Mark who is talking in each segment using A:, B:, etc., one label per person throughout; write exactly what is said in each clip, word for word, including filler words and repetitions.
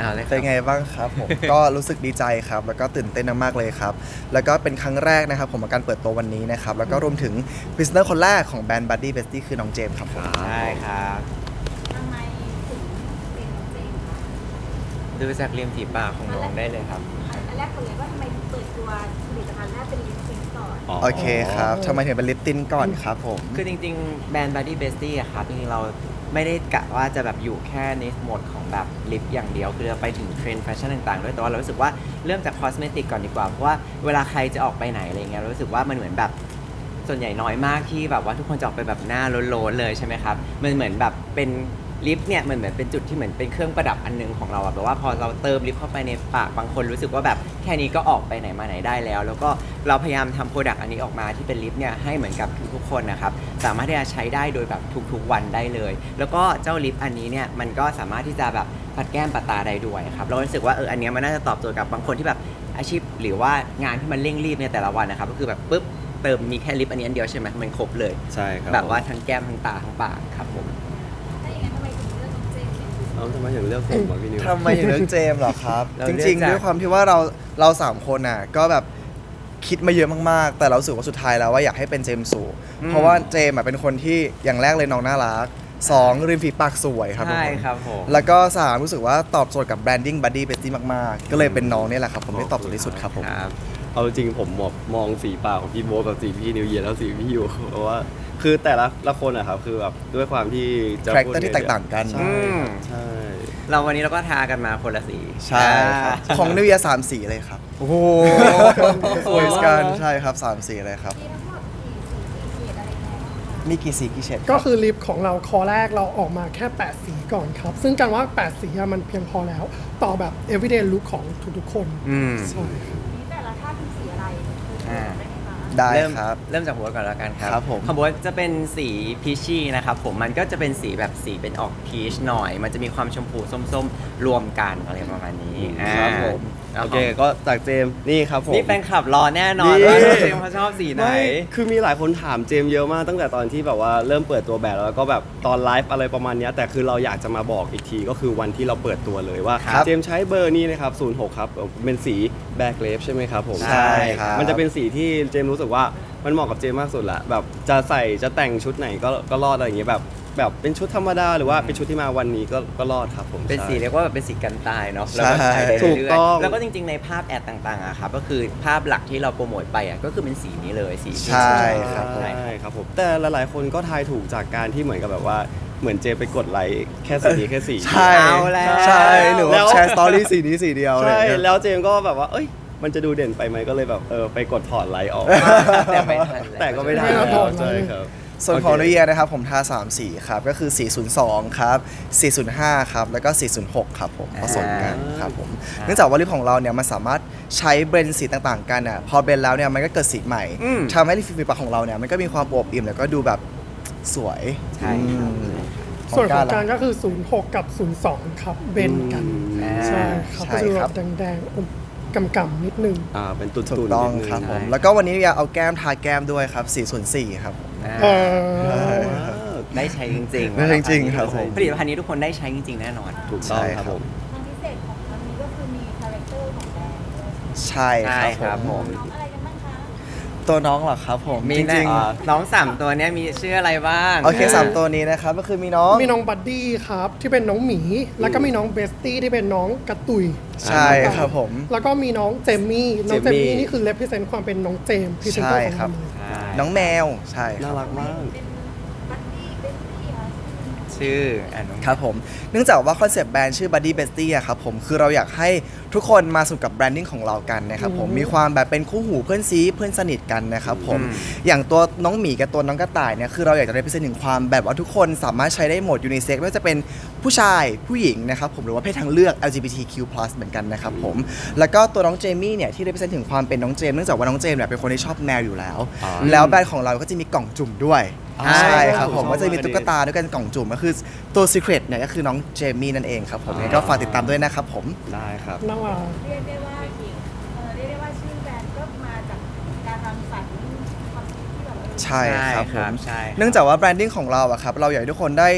A: อ่าเลย
B: เป็นไงบ้างครับผม ก็รู้สึกดีใจครับแล้วก็ตื่นเต้นมากๆเลยครับแล้วก็เป็นครั้งแรกนะครับผมกับการเปิดตัววันนี้นะครับแล้วก็รวมถึงพรีเซนเตอร์คนแรกของแบรนด์ Buddy Bestie คือน้องเจมส์ครับผม
A: ใช่ครับ
C: ทำไมถึงเป็นน้องเจมส์คะ
A: ดูจากริมฝีปากของน้องได้เลยครับ
C: อันแรกคนเลยว่าทำไมถึงเปิดตัวผลิตภัณฑ์แรกเป็นลิปสติกก่อน
B: โอเคครับทำไมถึงเป็นลิปตินก่อนครับผม
A: คือจริงๆแบรนด์ Buddy Bestie อะครับจริงๆเราไม่ได้กะว่าจะแบบอยู่แค่ในโหมดของแบบลิปอย่างเดียวคือเราไปถึงเทรนด์แฟชั่นต่างๆด้วยแต่ว่าเรารู้สึกว่าเริ่มจากคอสเมติกก่อนดีกว่าเพราะว่าเวลาใครจะออกไปไหนอะไรเงี้ยเรารู้สึกว่ามันเหมือนแบบส่วนใหญ่น้อยมากที่แบบว่าทุกคนจะออกไปแบบหน้าโลนๆเลยใช่ไหมครับมันเหมือนแบบเป็นลิปเนี่ยมันเหมือนเป็นจุดที่เหมือนเป็นเครื่องประดับอันนึงของเราอะแบบว่าพอเราเติมลิปเข้าไปในปากบางคนรู้สึกว่าแบบแค่นี้ก็ออกไปไหนมาไหนได้แล้ว แล้วก็เราพยายามทำโปรดักต์อันนี้ออกมาที่เป็นลิปเนี่ยให้เหมือนกับทุกๆคนนะครับสามารถที่จะใช้ได้โดยแบบทุกๆวันได้เลย แล้วก็เจ้าลิปอันนี้เนี่ยมันก็สามารถที่จะแบบปัดแก้มปัดตาได้ด้วยครับเรารู้สึกว่าเอออันเนี้ยมันน่าจะตอบโจทย์กับบางคนที่แบบอาชีพหรือว่างานที่มันเร่งรีบในแต่ละวันนะครับก็คือแบบปุ๊บเติมมีแค่ลิปอันนี้อันเดียวใช่ไหมมันครบเลย
D: ใช่ครับ
A: แบบว่าทั้งแก้มทั้งตาทั้งปากครับผม
C: ถ้าอย่างนั้นทำไมถึงเลือกน้องเจมส์เป็นพิเศษ
D: เอ้าทำไมถึงเลือกผมวะพี่นิว
B: ทำไมถึงเลือกเจมส์เหรอครับ
A: เรา
B: จ
A: เลือก
B: ริงๆ
A: จาก
B: ด้วยความที่ว่าเราเราสามคนน่ะก็แบบคิดมาเยอะมากๆ แต่เรารู้สึกว่าสุดท้ายแล้วว่าอยากให้เป็นเจมส์สู่เพราะว่าเจมส์อ่ะเป็นคนที่อย่างแรกเลยน้องน่ารักสองริมฝีปากสวยครับทุก
A: ใช่
B: คน
A: ครับผม
B: แล้วก็สามรู้สึกว่าตอบโจทย์กับแบรนดิ้ง Buddy Bestie มากๆ ก็เลยเป็นน้องนี่แหละครับผมได้ตอบโจทย์ที่สุดครับผม
A: ครับ
D: เอาจริงผมแบบมองสีปากของพี่โบ๊ทกับสีพี่นิวเยียร์แล้วสีพี่ยูเพราะว่าคือแต่ละละคนอะครับคือแบบด้วยความที่จะ
B: Character ที่แตกต่างกัน
D: ใช่ครับใช่
A: เราวันนี้เราก็ทากันมาคนละสี
B: ใช่ครับ
A: อ่า
B: ของนิวยาสามสีเลยครับ
D: โอ้โห
B: สวยกันใช่ครับสามสีเลยครับ
C: มีทั้งหมดกี่สีกี่เฉดอะไรยังไงบ้างคะ
B: มีกี่สีกี่เฉด
E: ก็คือลิปของเราคอแรกเราออกมาแค่ แปด สีก่อนครับ ซึ่งการว่า แปด สีอะมันเพียงพอแล้ว ต่อแบบ everyday look ของทุกๆคน
A: อืม
E: ใช่ครับ
C: นี่แต่ละท่าเป็นสีอะไรคือเฉดได้ไหมคะ
B: ได้
A: เริ่ม
B: ครับ
A: เริ่มจากหัวก่อนแล้วกันครับ
B: ครับผม
A: ของบัวจะเป็นสีพีชี่นะครับผมมันก็จะเป็นสีแบบสีเป็นออกพีชหน่อย มันจะมีความชมพูส้มๆ รวมกันอะไรประมาณนี้
B: ครับผม
A: อ่า
D: โอเคก็จากเจมส์นี่ครับผม
A: นี่แฟนคลับรอแน่นอน
D: นี่
A: ว่าเจมส์เขาชอบสีไหน
D: ไม่คือมีหลายคนถามเจมส์เยอะมากตั้งแต่ตอนที่แบบว่าเริ่มเปิดตัวแบบแล้วก็แบบตอนไลฟ์อะไรประมาณเนี้ยแต่คือเราอยากจะมาบอกอีกทีก็คือวันที่เราเปิดตัวเลยว่า
B: ครับ
D: เจมส์ใช้เบอร์นี้นะครับศูนย์หกครับเป็นสีแบล็กเลฟใช่ไหมครับผม
B: ใช่ครับ
D: มันจะเป็นสีที่เจมส์รู้สึกว่ามันเหมาะกับเจมส์มากสุดละแบบจะใส่จะแต่งชุดไหนก็ก็รอดอะไรอย่างเงี้ยแบบแบบเป็นชุดธรรมดาหรือว่าเป็นชุดที่มาวันนี้ก็ก็รอดครับผม
A: เป็นสี
D: ใช่
A: เรียกว่าแบบเป็นสีกันตายเนาะ
B: ใช่
A: แล้วก็ใช้ได้
D: ถู
A: เรื่
D: ก
A: อย
D: ต้อง
A: ๆแล้วก็จริงๆในภาพแอดต่างๆอะครับก็คือภาพหลักที่เราโปรโมทไปอะก็คือเป็นสีนี้เลยสี
B: ใช่ครับ
A: ใช่
D: ใช่ครับผมแต่หลายๆคนก็ทายถูกจากการที่เหมือนกับแบบว่าเหมือนเจมไปกดไลค์แค่สีนี้แค่สี
B: ใช่
A: เอาแล้ว
B: ใช่หรือ
D: แล้
B: ว่าว แชร์สตอรี่สีนี้สีเดียวอะไรอ
D: ใช่
B: ย่างเงี้ย
D: แล้วเจมก็แบบว่าเอ้ยมันจะดูเด่นไปไหมก็เลยแบบเออไปกดถอดไลค์ออก
A: แต่ไม่ทันแล้ว
D: แต่ก็ไม่ได้
E: ไม่ได้ถอด
D: ใช่ครับ
B: ส่วนของ
D: โอเค
B: นุเยียนะครับผมทาสามสีครับ ก็คือ สี่ศูนย์สอง ครับ สี่ศูนย์ห้า ครับ แล้วก็ สี่ศูนย์หก ครับผมผสมกันครับผมเนื่องจากว่าลิปของเราเนี่ยมันสามารถใช้เบรนด์สีต่างๆกันอ่ะพอเบรนด์แล้วเนี่ยมันก็เกิดสีใหม่
A: อืม
B: ทำให้ลิปฝีปากของเราเนี่ยมันก็มีความอวบอิ่มแล้วก็ดูแบบสวย
A: ใช่ครับ
B: อืม
E: ส่วนของ
B: ล่ะ
E: การก็คือ ศูนย์หก กับ ศูนย์สอง ครับ เบนกัน
A: อ่า
E: ใช่ครับ
B: ใช่
E: ก็จะดู
B: ค
E: แบ
B: รับ
E: บแดงๆอมกำๆนิดนึง
D: อ่าเป็นตุ่นๆ
B: ถูกต้อง
D: นิดนึ
B: ครับผม
A: ใช่
B: แล้วก็วันนี้อยากเอาแก้มทาแก้มด้วยครับ สี่ศูนย์สี่ ครับผม
A: อ่า
E: เออ
D: ว้าว
A: ได้ใช้จริงๆ
B: ได้ใช้จริงๆครับผม
A: ผลิตภัณฑ์นี้ทุกคนได้ใช้จริงๆแน่นอน
D: ถูกต้อง
B: ใช่
D: ครับผม
C: ความพิเศษของครั้งนี้ก็คือมีคาแรคเตอร์ของแบรนด์ด้วย
B: ใช่
A: ใช่
B: ค
A: ครั
B: รับบ ผ
A: ผม ม
C: น้องอะไรกันบ้างคะ
B: ตัวน้องเหรอครับผม
A: มี
B: จ
A: แน่
B: ริง
A: เอ่อน้องสามตัวเนี้ยมีชื่ออะไรบ้าง
B: ๆโอเคสามตัวนี้นะครับก็คือมีน้อง
E: มีน้องบัดดี้ครับ ที่เป็นน้องหมี แล้วก็มีน้องเบสตี้ที่เป็นน้องกระตุย
B: ใช่ครับผม
E: แล้วก็มีน้องเจมมี่ น้องเจม
D: เจมมี่
E: มี่นี่คือ represent ความเป็นน้องเจมพรีเซนเตอร์ของ
B: ใช่ครั
E: เรา
B: บ
E: เลย
A: ใช่
B: น้องแมวใช่ค
D: น่า
B: รับ
D: รักมาก
C: เป็นบัดดี้เป็นพี่คะ
A: ชื่ออ่ะน้อง
B: ครับผมเนื่องจากว่าคอนเซปต์แบรนด์ชื่อ Buddy Bestie อะครับผมคือเราอยากให้ทุกคนมาสนุกกับแบรนดิ้งของเรากันนะครับผมมีความแบบเป็นคู่หูเพื่อนซีเพื่อนสนิทกันนะครับผมอย่างตัวน้องหมีกับตัวน้องกระต่ายเนี่ยคือเราอยากจะได้พิเศษถึงความแบบว่าทุกคนสามารถใช้ได้หมดยูนิเซ็กไม่ว่าจะเป็นผู้ชายผู้หญิงนะครับผมหรือว่าเพศทางเลือก แอล จี บี ที คิว พลัส เหมือนกันนะครับผมแล้วก็ตัวน้องเจมี่เนี่ยที่ได้พิเศษถึงความเป็นน้องเจมส์เนื่องจากว่าน้องเจมส์เนี่ยเป็นคนที่ชอบแมวอยู่แล้ว
D: อ๋อ
B: แล้วแบรนด์ของเราก็จะมีกล่องจุ่มด้วย
D: อ่า
B: ใช่ครับผม
D: ชอบ
B: ก็จะมี
D: มาก
B: ตุ๊กตาด้วยกันกล่องจุ่มก็คือตัว Secret เนี่ยก็คือน้องเจมี่นั่นเองครับผมยังไงก็ฝากติดตามด้วยนะครับผม
D: ได้ครับ
E: น่ารัก
C: เรียกได้ว่าเออเรียกได้ว่าชื่อแบรนด์ก็มาจากการรังสรรค์ความคิดที่แบบว่า
B: ใช่ครับผม
A: ใช่ครับ
B: เนื่องจากว่าแบรนดิ้งของเราอะครับเราอยากให้ทุกคนได้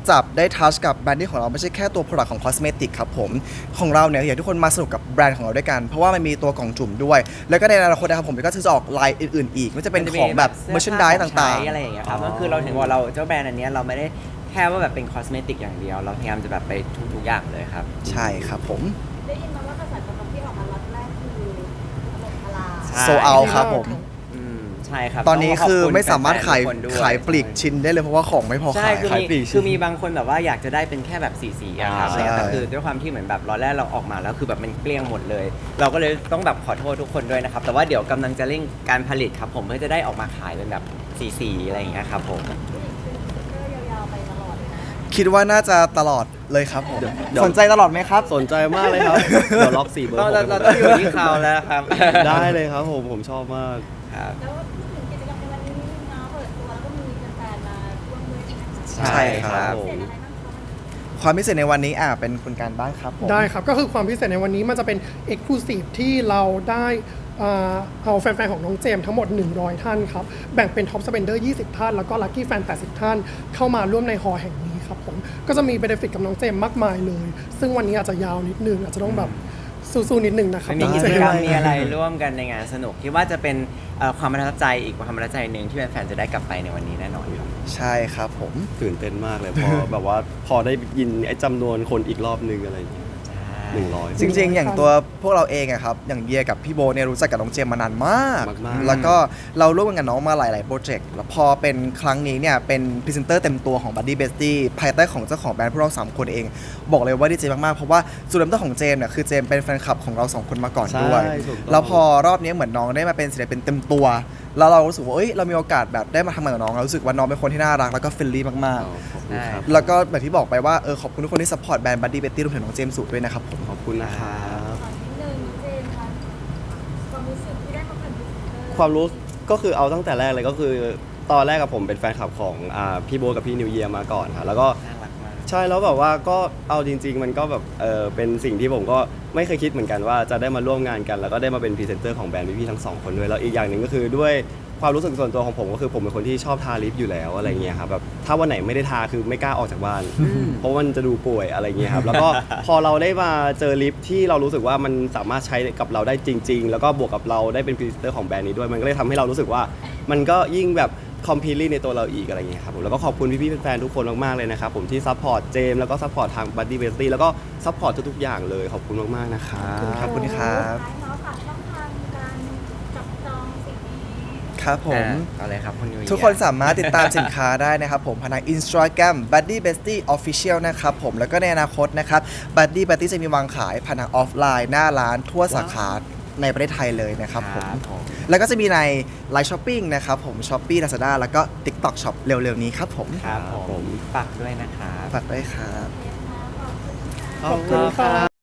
B: จับได้ทัชกับแบรนดิ้งของเราไม่ใช่แค่ตัว product ของ cosmetic ครับผมของเราเนี่ยอยากให้ทุกคนมาสนุกกับแบรนด์ของเราด้วยกัน เพราะว่ามันมีตัวกล่องจุ่มด้วย แล้วก็ในอนาคตนะครับผมก็จะออกไลน์อื่นๆอีกไม่ว่าจะเป็นของแบบ
A: สื้ผ้
B: merchandise
A: ของ
B: ต่าง
A: ใช้อะไรอย่างเงี้ยครับ
D: อ๋อ
A: ก็คือเราถึงว่าเราเจ้าแบรนด์อันเนี้ยเราไม่ได้แค่ว่าแบบเป็นคอสเมติกอย่างเดียว เราพยายามจะแบบไปทุกๆอย่างเลยครับ
B: ๆ ใช่ครับผม
C: ได้ยินมาว่ากระแสตอบรับที่ออกมาล็อตแรกคือถล่มทลาย
A: ใช่
B: โซเอาครับผม
A: อืมใช่ครับ
B: ตอนนี้
A: งขบ
B: คือ
A: ณ
B: ไม่สามารถขาย
A: แฟนๆทุกคนด้วย
B: ขายปลีกชิ้นได้เลยเพราะว่าของไม่พอ
A: ใช่
B: ขาย
A: คือ
D: ขาย
A: มี
D: ปลีก
A: คือมีบางคนแบบว่าอยากจะได้เป็นแค่แบบสีสีๆอะครับ
D: อ่า
A: อะไรเงี้ยแต่
B: ใช่
A: คือด้วยความที่เหมือนแบบรอแรกเราออกมาแล้วคือแบบมันเกลี้ยงหมดเลย เราก็เลยต้องแบบขอโทษทุกคนด้วยนะครับ แต่ว่าเดี๋ยวกำลังจะเร่งการผลิตครับผมเพื่อจะได้ออกมาขายเป็นแบบสีสีๆอะไรอย่างเงี้ยครับผม
C: ผู้หญิงเป็นสติ๊กเกอร์ยาวๆไปตลอดเลยนะ
B: คิดว่าน่าจะตลอดเลยครับผม
D: เดี๋ยว
B: สนใจตลอดไหมครับ
D: สนใจมากเลยครับ เดี๋ยวล็อกสี่เบอร์
A: ต้อง
D: ผม
A: เราเราต้องอยู่ที่เขาแล้วครับ
D: ได้เลยครับผมผมชอบมาก
A: ครับ
C: แล้วพูดถึงกิจกรรมในวันนี้นิดนึงเนาะเปิดตัวแล้วก็มีแฟนๆมาร่วมด้วยใช่ไหมคะ
A: ใช่ครับ
C: พิเศษอะไรบ้างคะ
B: ความพิเศษในวันนี้อ่ะเป็นคุณการบ้างครับผม
E: ได้ครับ ก็คือความพิเศษในวันนี้มันจะเป็น Exclusive ที่เราได้อ่าเอาแฟนๆ ของน้องเจมส์ทั้งหมด หนึ่งร้อย ท่านครับ แบ่งเป็น Top Spender ยี่สิบ ท่าน แล้วก็ Lucky Fan แปดสิบ ท่าน เข้ามาร่วมในฮอลล์แห่งนี้ครับผม ก็จะมี benefit กับน้องเจมส์มากมายเลย ซึ่งวันนี้อาจจะยาวนิดนึง อาจจะต้องแบบสู้ๆนิดนึงนะครับ
A: มันมี
E: น้อง
A: กิ
E: เจ
A: จ
E: ม
A: กรรม
E: ส์
A: มีอะไรร่วมกันในงานสนุกคิดว่าจะเป็นเอ่อความประทับใจอีกความประทับใจหนึ่งที่แฟนๆจะได้กลับไปในวันนี้แน่นอนครับ
B: ใช่ครับผม
D: ตื่นเต้นมากเลยพอ แบบว่าพอได้ยินไอ้จำนวนคนอีกรอบนึงอะไรอย่างเงี้ยหนึ่งร้อย
B: จริงๆ อย่างตัวพวกเราเองอะครับอย่างเยียกับพี่โบเนี่ยรู้จักกับน้องเจมส์มานานมาก
D: มากๆ
B: แล้วก็เราร่วมกันกับน้องมาหลาย ๆ โปรเจกต์แล้วพอเป็นครั้งนี้เนี่ยเป็นพรีเซนเตอร์เต็มตัวของ Buddy Bestie ภายใต้ของเจ้าของแบรนด์พวกเราสามคนเอง บอกเลยว่าดีใจมาก ๆ เพราะว่าจุดเริ่มต้นของเจมส์เนี่ยคือเจมส์เป็นแฟนคลับของเราสองคนมาก่อนด้วย
D: ใช่ถูกต้อง
B: แล้วพอรอบนี้เหมือนน้องได้มาเป็นศิลปินเต็มตัว แล้วเรารู้สึกว่าเอ้ยเรามีโอกาสแบบได้มาทำงานกับน้องเรารู้สึกว่าน้องเป็นคนที่น่ารักแล้วก็เฟรนลี่มาก
D: ขอบคุณครับ
B: ๆ แล้วก็แบบที่บอกไปว่าเออขอบคุณทุกคนที่ซัพพอร์ตแบรนด์ Buddy Bestie รวมถึงน้องเจมส์สุด้วยนะครับผม
D: ขอบคุณนะครับ
C: ขอนิดนึงเจนคะความรู้สึกที่ได้มาเป็นพรีเซนเตอร์
D: ความรู้ก็คือเอาตั้งแต่แรกเลยก็คือตอนแรกกับผมเป็นแฟนคลับของอ่าพี่โบทกับพี่นิวเยียร์มาก่อนค่ะแล้วก็
A: น่ารักมาก
D: ใช่แล้วแบบว่าก็เอาจริง ๆ มันก็แบบเออเป็นสิ่งที่ผมก็ไม่เคยคิดเหมือนกันว่าจะได้มาร่วมงานกัน แล้วก็ได้มาเป็นพรีเซนเตอร์ของแบรนด์พี่ๆทั้งสองคนด้วยแล้วอีกอย่างหนึ่งก็คือด้วยความรู้สึกส่วนตัวของผมก็คือผมเป็นคนที่ชอบทาลิปอยู่แล้วอะไรเงี้ยครับแบบถ้าวันไหนไม่ได้ทาคือไม่กล้าออกจากบ้าน เพราะมันจะดูป่วยอะไรเงี้ยครับแล้วก็ พอเราได้มาเจอลิปที่เรารู้สึกว่ามันสามารถใช้กับเราได้จริง ๆ แล้วก็บวกกับเราได้เป็นพรีเซนเตอร์ของแบรนด์นี้ด้วยมันก็เลยทำให้เรารู้สึกว่ามันก็ยิ่งแบบคอมพลีทในตัวเราอีกอะไรเงี้ยครับผมแล้วก็ขอบคุณพี่ๆแฟนๆทุกคนมากๆเลยนะครับผมที่ซัพพอร์ตเจมแล้วก็ซัพพอร์ตทาง Buddy Bestie แล้วก็ซัพพอร์ตทุกๆอย่างเลยขอบคุณมากๆนะครับ
B: ขอบคุณครับ
C: ท้ายเนาะฝากช่องทางการจับจองสิ่งนี้
B: ครับผม
A: อ่ะเอาเลยครับคุณนิวเยียร์
B: ทุกคนสามารถติดตามสินค้าได้นะครับผมผ่านทาง Instagram Buddy Bestie Official นะครับผมแล้วก็ในอนาคตนะครับ Buddy Bestie จะมีวางขายผ่านทางออฟไลน์หน้าร้านทั่วสาขาในประเทศไทยเลยนะครับผม
A: ผม
B: แล้วก็จะมีใน Line Shopping นะครับผม Shopee Lazada แล้วก็ TikTok Shop เร็วๆนี้ครับผม
A: ครับผ
D: ผม ม
A: ฝากด้วยนะครับ
B: ฝากด้วยครับ
C: ขอบคุณค่ะ
E: ขอบคุณครับ